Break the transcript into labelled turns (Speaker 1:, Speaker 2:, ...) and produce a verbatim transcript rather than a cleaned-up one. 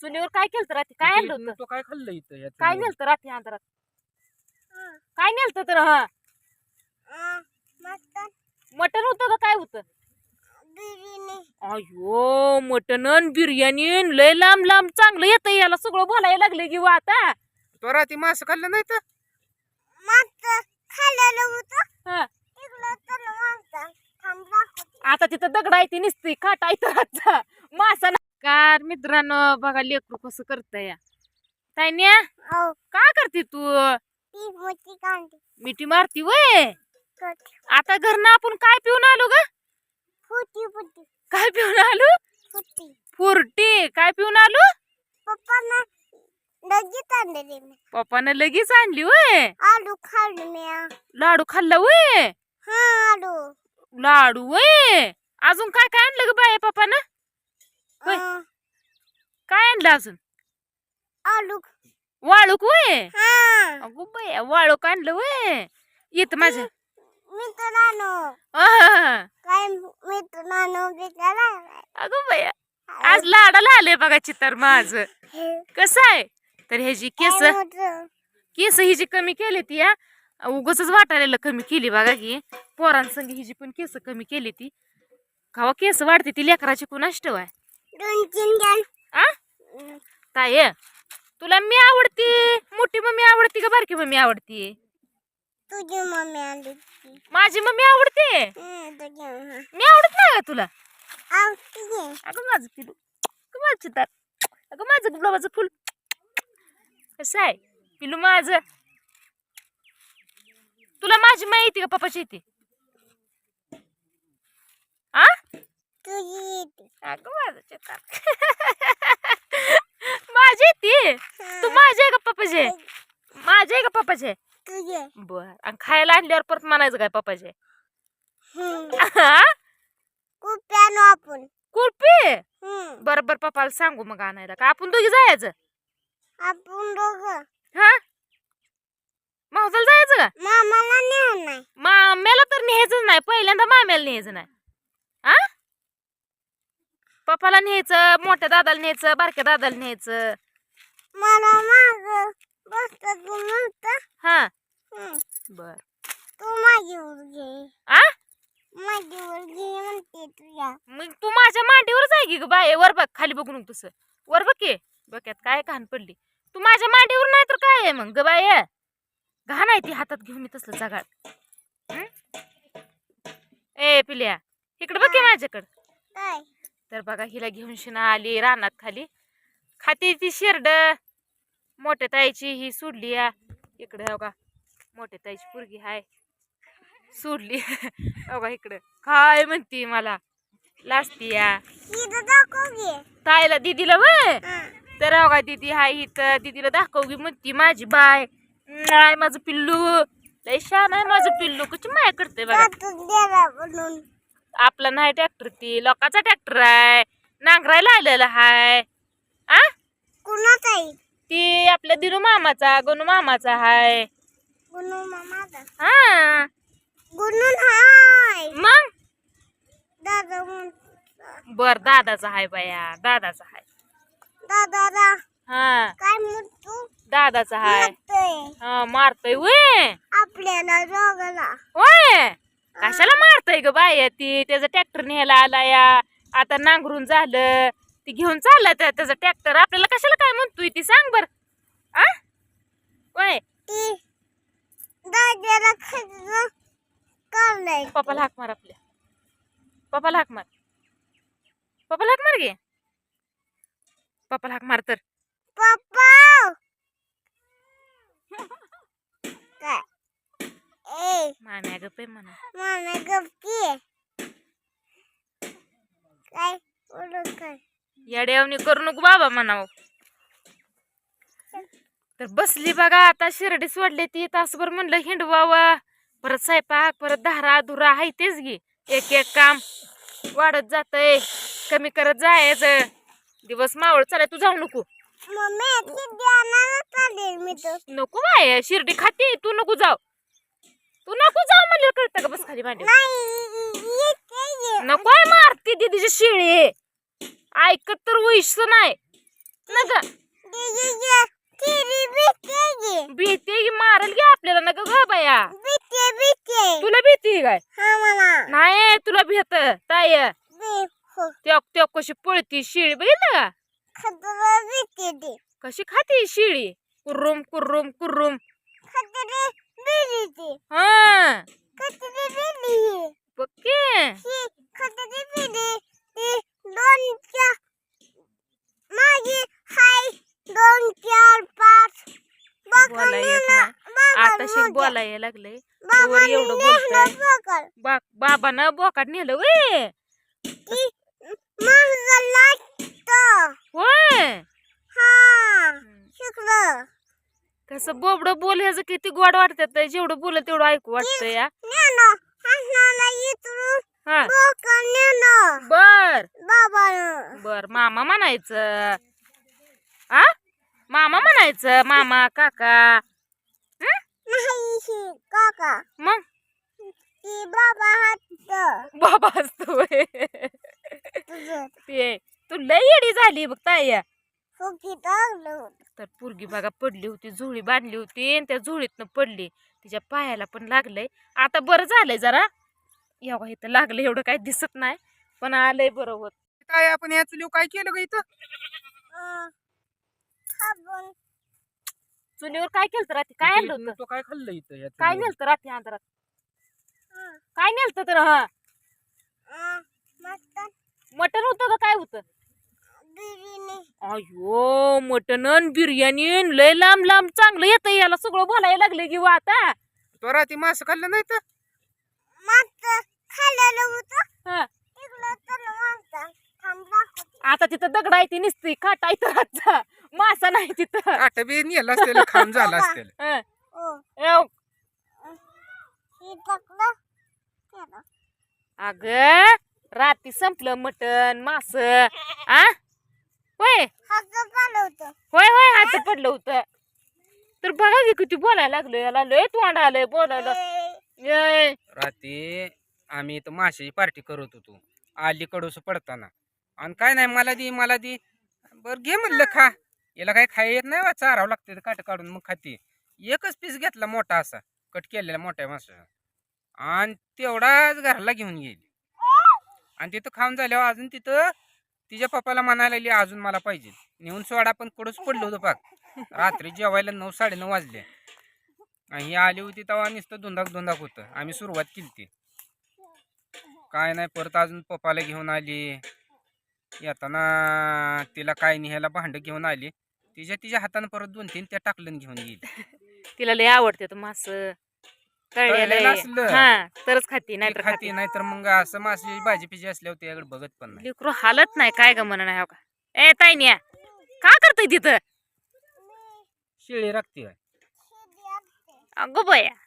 Speaker 1: चुलीवर काय केलं रात्री? काय आणलं होतं?
Speaker 2: तो काय खाल्लं इथं या
Speaker 1: काय
Speaker 2: चुलीवर?
Speaker 1: नेलतं रात्री अंधारात? काय नेलतं तर? हा मटण होतं का काय होतं? अयो मटण अन बिर्याणी अन लय लांब लांब चांगलं येतं. याला सगळं बोलायला लागले की वा आता.
Speaker 2: तो रात्री मास खाल्लं नाही तर
Speaker 1: हा. आता तिथं दगड आहे ती निसती खाट आहे तर मासा कार. मित्रांनो बघा लेकरू कसं करतय या ताईन्या. काय करते तू? मिठी मारती वय. आता घरनं आपण काय पिऊन आलो ग? काय पिऊन आलो? फुरटी. काय पिऊन आलो? पप्पानं लगेच आणली वय.
Speaker 3: आलू खाल्ले मी.
Speaker 1: लाडू खाल्ला वय.
Speaker 3: हा आलू.
Speaker 1: लाडू वय. अजून काय काय आणलं ग बाय पप्पानं? होय. काय आणलं अजून?
Speaker 3: आलू.
Speaker 1: वाळूक वय.
Speaker 3: हा.
Speaker 1: अगो बाय वाळूक आणलं वय. येत माझ्या
Speaker 3: मित्रांनो
Speaker 1: आहा.
Speaker 3: काय मित्रांनो बिचारा
Speaker 1: अगो बाया आज लाडाला आले बघा चितर माझ. कसं आहे तर ह्याची केस केस ही जी कमी केली ती या उगच वाटायला कमी केली बघा की. पोरांसंग हिची पण केस कमी केली ती. खावा केस वाढते ती लेकराची कुणाष्ट आहे.
Speaker 3: दोन तीन जण
Speaker 1: आ ताय तुला मी आवडती मोठी मम्मी आवडती का बारकी मम्मी आवडती?
Speaker 3: तुझी मम्मी आली.
Speaker 1: माझी मम्मी आवडते.
Speaker 3: तुझी
Speaker 1: मी आवडत नाही का तुला?
Speaker 3: आवडते.
Speaker 1: अगं माझं पिलू अगं माझं चितार अगं माझं गुलाबाचं फुल कसं आहे पिलू माझं. तुला माझी माय येते का पप्पाची येते? आ
Speaker 3: तुझी येते.
Speaker 1: अगं माझं चितार माझी येते. तू माझी आहे का पप्पाची? माझी आहे का पप्पाची?
Speaker 3: तुझे.
Speaker 1: बर आणि खायला आणल्यावर परत म्हणायचं काय पप्पाचे?
Speaker 3: कुप्यानो आपण.
Speaker 1: कुल्फी.
Speaker 3: हम्म.
Speaker 1: बरं बरं पप्पाला सांगू मग आणायला का आपण दोघी जायचं?
Speaker 3: आपण दोघं.
Speaker 1: हा मावसाला जायचं का?
Speaker 3: मामाला नेऊ नाही.
Speaker 1: माम्याला तर न्यायचं नाही. पहिल्यांदा माम्याला न्यायचं नाही. हा पप्पाला न्यायचं, मोठ्या दादाला न्यायचं, बारक्या दादाला न्यायचं.
Speaker 3: मला माग बसत तू म्हणता.
Speaker 1: हा
Speaker 3: हम्म.
Speaker 1: बर
Speaker 3: तू माझीवर घे.
Speaker 1: आ
Speaker 3: माझीवर घे म्हणते तुझ्या.
Speaker 1: मग तू माझ्या मांडीवरच आहे की ग बाय. वर बघ खाली बघू नको तसं. वर बघ की बघ्यात काय घाण पडली. तू माझ्या मांडीवर नाही तर काय आहे मग ग बाय? घाण आहे ती हातात घेऊन मी तसलं जगाड. ए पिल्या इकडे बघ की माझ्याकडं.
Speaker 3: काय?
Speaker 1: तर बघा हिला घेऊन शिना आली रानात खाली. खाती ती शिरड. मोठ्या ताईची ही सोडली या इकडे. हो का मोठ्या ताईची पोरगी हाय सोडली. हो का इकडं काय म्हणती मला लाजती या
Speaker 3: इथं दाखव घे.
Speaker 1: ताईला दीदीला वय.
Speaker 3: हा.
Speaker 1: तर हो का दीदी हाय इथं. दीदीला दाखवगी म्हणती माझी बाय. नाही माझं पिल्लू लय छान आहे माझं पिल्लू. कशी माया करते बघा.
Speaker 3: त्यातून द्यायला म्हणून.
Speaker 1: आपला नाही ट्रॅक्टर ती लोकांचा ट्रॅक्टर आहे. नांगरायला आलेला हाय. आ
Speaker 3: कुणाचा आहे?
Speaker 1: ती आपल्या दिनू मामाचा गणू मामाचा हाय.
Speaker 3: गुणू मामाचा.
Speaker 1: हा
Speaker 3: गुणून हाय.
Speaker 1: मग
Speaker 3: दादा म्हणता.
Speaker 1: बर दादाचा हाय बाया दादाचा हाय.
Speaker 3: दादा दा.
Speaker 1: हा
Speaker 3: काय म्हणतो?
Speaker 1: दादाचा हाय.
Speaker 3: म्हणतोय.
Speaker 1: हा मारतोय वय.
Speaker 3: आपल्याला दोघाला.
Speaker 1: होय कशाला मारतोय ग बाया ती? त्याचा ट्रॅक्टर न्यायला आला या. आता नांगरून झालं ती घेऊन चालला त्या त्याचा ट्रॅक्टर. आपल्याला कशाला काय म्हणतोय ती सांग बर. आ होय
Speaker 3: ती दादाला खर्च काढलाय.
Speaker 1: पप्पाला हाक मार. आपल्या पप्पाला हाक मार. पप्पाला हाक मार गे. पप्पाला हाक मार तर.
Speaker 3: पप्पा. काय? ए
Speaker 1: माम्या गप आहे म्हणा.
Speaker 3: मामा गप्पी. काय बोलू काय?
Speaker 1: येड्यावणी करू नको बाबा म्हणावं. तर बसली बघा आता शिर्डी सोडली ती. तासभर म्हणलं हिंडवावा. परत स्वयंपाक परत धारा धुरा हाय तेच घे. एक एक काम वाढत जातय. कमी करत जायचं. दिवस मावळ चालाय. तू जाऊ नको.
Speaker 3: मम्मी ती द्यायला चालेल मी तर.
Speaker 1: नको बाय शिर्डी खाते. तू नको जाऊ. तू नको जाऊ म्हणलं कळतं का? बस खाली भांडी.
Speaker 3: नाही ये.
Speaker 1: नको आहे मारती दीदीची शिळी. ऐकत तर वैश नाही. ना ग
Speaker 3: दीदीची तिरी भीती
Speaker 1: भीती की मारल की आपल्याला ना ग बाया
Speaker 3: भीती भीती
Speaker 1: तुला भीती काय
Speaker 3: हा मला
Speaker 1: नाही तुला भीत ताय
Speaker 3: बी हो
Speaker 1: त्या त्या कशी पळती शिळी बघितलं का
Speaker 3: खतरा भीती दी
Speaker 1: कशी खाती शिळी कुर्रुम कुर्रुम कुर्रुम
Speaker 3: खतरे बिरीची
Speaker 1: हा
Speaker 3: खतरे बिरी
Speaker 1: पक्के
Speaker 3: ही खतरे बिरी ती दोन चार माझी हाय दोन चार पाच
Speaker 1: बोला येत नाही आता शिक बोला यायला लागलंय तोवर एवढं बोलतोय बा बाबानं बोकाट नेलं वे
Speaker 3: ती महागला
Speaker 1: होय
Speaker 3: हा शिकलं
Speaker 1: कसं बोबडं बोल ह्याचं किती गोड वाटत जेवढं बोल तेवढं ऐकू वाटतं या
Speaker 3: नेनो हसनाला इतरून
Speaker 1: हा
Speaker 3: बोका नेनो
Speaker 1: बर
Speaker 3: बाबानं
Speaker 1: बर मामा म्हणायचं आ मामा म्हणायचं मामा काका हं?
Speaker 3: नाही ही काका
Speaker 1: मग
Speaker 3: ती बाबा हात
Speaker 1: बाबा असतो
Speaker 3: तुझं
Speaker 1: ते तू लय येडी झाली बघ ताई
Speaker 3: फुकी टाकलं
Speaker 1: तर पोरगी बघा पडली होती झोळी बांधली होती आणि त्या झोळीतनं पडली तिच्या पायाला पण लागलंय आता बरं झालंय जरा एवढं इथं लागलं एवढं काही दिसत नाही पण आलंय बरं होत
Speaker 2: काय आपण या चुलीव काय केलं ग इथं
Speaker 3: साबण
Speaker 1: चुलीवर काय केलं रात्री काय आणलं होतं
Speaker 2: तो काय खाल्लं इथं या
Speaker 1: काय
Speaker 2: चुलीवर?
Speaker 1: नेलतं रात्री अंधारात काय नेलतं तर हा
Speaker 3: मटन
Speaker 1: मटण होतं का काय होतं
Speaker 3: बिर्याणी
Speaker 1: अयो मटण अन बिर्याणी अन लय लांब लांब चांगलं येतं याला सगळं बोलायला लागले की वा आता
Speaker 2: तो रात्री मास खाल्लं नाही तर
Speaker 3: मस्त खाल्लेलं होतं
Speaker 1: हा.
Speaker 3: इकडं तर मागचा थांबला
Speaker 1: आता तिथं दगड आहे ती निसती खाटा इथं रातचा मासा नाही तिथं
Speaker 2: काट बी नेलं असतेल खाऊन झालं असतेल
Speaker 1: हं.
Speaker 3: ओ
Speaker 1: एव.
Speaker 3: ही टाकलं केलं
Speaker 1: अग रात्री संपलं मटण मास आ होय
Speaker 3: हात पालं होतं
Speaker 1: होय होय हात पडलं होतं तर बघा की किती बोलायला लागलो याला लय तोंड आलंय बोलायला ये.
Speaker 2: रात्री आम्ही इथं माशाची पार्टी करत होतो आली कडूस पडताना आणि काय नाही मला दे मला दे बर घे म्हणलं खा याला काय खाय येत नाही बा, चारावं लागते काट काढून मग खाते एकच पीस घेतला मोठा असा कट केलेला मोठ्या मासा आणि तेवढाच घराला घेऊन गेली आणि तिथं खाऊन झाल्यावर अजून तिथं तिच्या पप्पाला म्हणायला लागली अजून मला पाहिजे नेऊन सोडा पण कडूच पडलो होतं पाक रात्री जेवायला नऊ साडेनऊ वाजले आणि ही आली होती तेव्हा नुसतं धुंदाक धुंदाक होतं आम्ही सुरुवात केली ती काय नाही परत अजून पप्पाला घेऊन आली येताना तिला काय न्यायला भांड घेऊन आली तिच्या तिच्या हातानं परत दोन तीन त्या टाकलं घेऊन गेली
Speaker 1: तिला लय आवडते तो मास
Speaker 2: तळलेलं
Speaker 1: तळलेलं
Speaker 2: असलं.
Speaker 1: हा तरच खाती नाही तर
Speaker 2: खाती नाही तर मग असं मासे भाजी पिजी असल्यावर त्याकडे बघत पण नाही
Speaker 1: लेकरू हालत नाही काय ग म्हणा नाही हो का ए ताईन्या का करतय तिथं
Speaker 2: शिळी राखते
Speaker 1: अगो बया